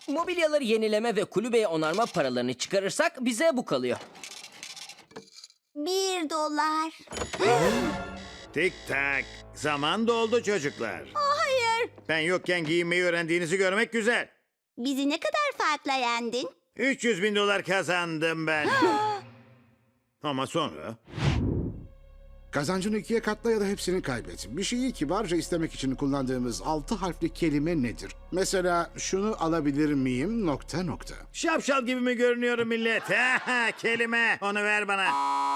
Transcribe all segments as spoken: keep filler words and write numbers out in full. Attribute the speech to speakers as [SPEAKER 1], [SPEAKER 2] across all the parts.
[SPEAKER 1] Mobilyaları yenileme ve kulübeye onarma paralarını çıkarırsak bize bu kalıyor.
[SPEAKER 2] Bir dolar.
[SPEAKER 3] Tik tak. Zaman doldu çocuklar.
[SPEAKER 2] Hayır.
[SPEAKER 3] Ben yokken giyinmeyi öğrendiğinizi görmek güzel.
[SPEAKER 2] Bizi ne kadar farkla yendin?
[SPEAKER 3] üç yüz bin dolar kazandım ben. Ama sonra...
[SPEAKER 4] Kazancını ikiye katla ya da hepsini kaybet. Bir şeyi kibarca istemek için kullandığımız altı harfli kelime nedir? Mesela şunu alabilir miyim nokta nokta.
[SPEAKER 3] Şapşal gibi mi görünüyorum millet? Kelime. Onu ver bana.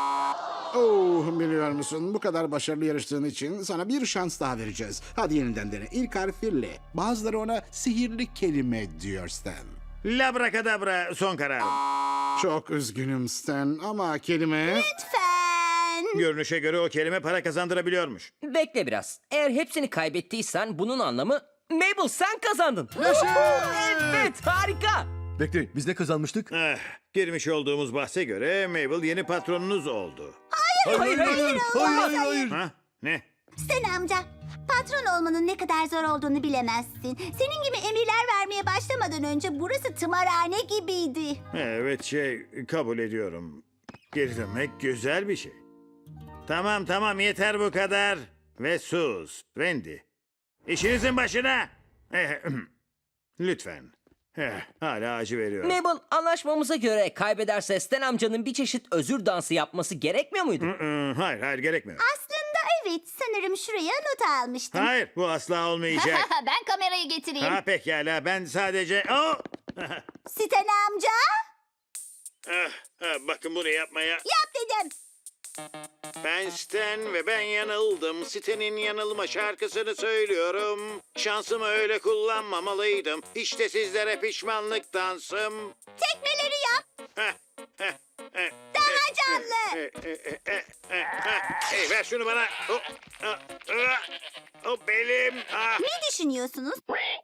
[SPEAKER 4] Oh, biliyor musun, bu kadar başarılı yarıştığın için sana bir şans daha vereceğiz. Hadi yeniden dene. İlk harfi L. Bazıları ona sihirli kelime diyor Stan.
[SPEAKER 3] Labrakadabra son kararım.
[SPEAKER 4] Çok üzgünüm Stan ama kelime...
[SPEAKER 2] Lütfen.
[SPEAKER 3] Görünüşe göre o kelime para kazandırabiliyormuş.
[SPEAKER 1] Bekle biraz. Eğer hepsini kaybettiysen bunun anlamı... Mabel sen kazandın. Evet, harika.
[SPEAKER 5] Bekle, biz ne kazanmıştık?
[SPEAKER 3] Eh, girmiş olduğumuz bahse göre Mabel yeni patronunuz oldu.
[SPEAKER 1] Hayır, hayır, hayır.
[SPEAKER 5] Hayır, hayır.
[SPEAKER 3] Ha? Ne?
[SPEAKER 2] Sen amca, patron olmanın ne kadar zor olduğunu bilemezsin. Senin gibi emirler vermeye başlamadan önce burası tımarhane gibiydi.
[SPEAKER 3] Evet şey kabul ediyorum. Geri dönmek güzel bir şey. Tamam tamam yeter bu kadar. Ve sus Wendy. İşinizin başına. Eh, Lütfen. Eh, hala acı veriyor.
[SPEAKER 1] Mabel, anlaşmamıza göre kaybederse Stan amcanın bir çeşit özür dansı yapması gerekmiyor muydu?
[SPEAKER 3] Hı, hayır hayır gerekmiyor.
[SPEAKER 2] Aslında evet, sanırım şuraya not almıştım.
[SPEAKER 3] Hayır bu asla olmayacak.
[SPEAKER 2] Ben kamerayı getireyim.
[SPEAKER 3] Ha pekala ben sadece... Oh!
[SPEAKER 2] Siten amca,
[SPEAKER 3] Ah, ah, bakın bunu yapmaya...
[SPEAKER 2] yap dedim.
[SPEAKER 3] Ben Stan ve ben yanıldım. Stan'in yanılma şarkısını söylüyorum. Şansımı öyle kullanmamalıydım. İşte sizlere pişmanlık dansım.
[SPEAKER 2] Tekmeleri yap.
[SPEAKER 3] Heh, heh, heh,
[SPEAKER 2] Daha canlı.
[SPEAKER 3] eh, eh, eh, eh, eh, heh. Hey, ver şunu bana. Oh, ah, ah, oh, belim. Ah.
[SPEAKER 2] Ne düşünüyorsunuz?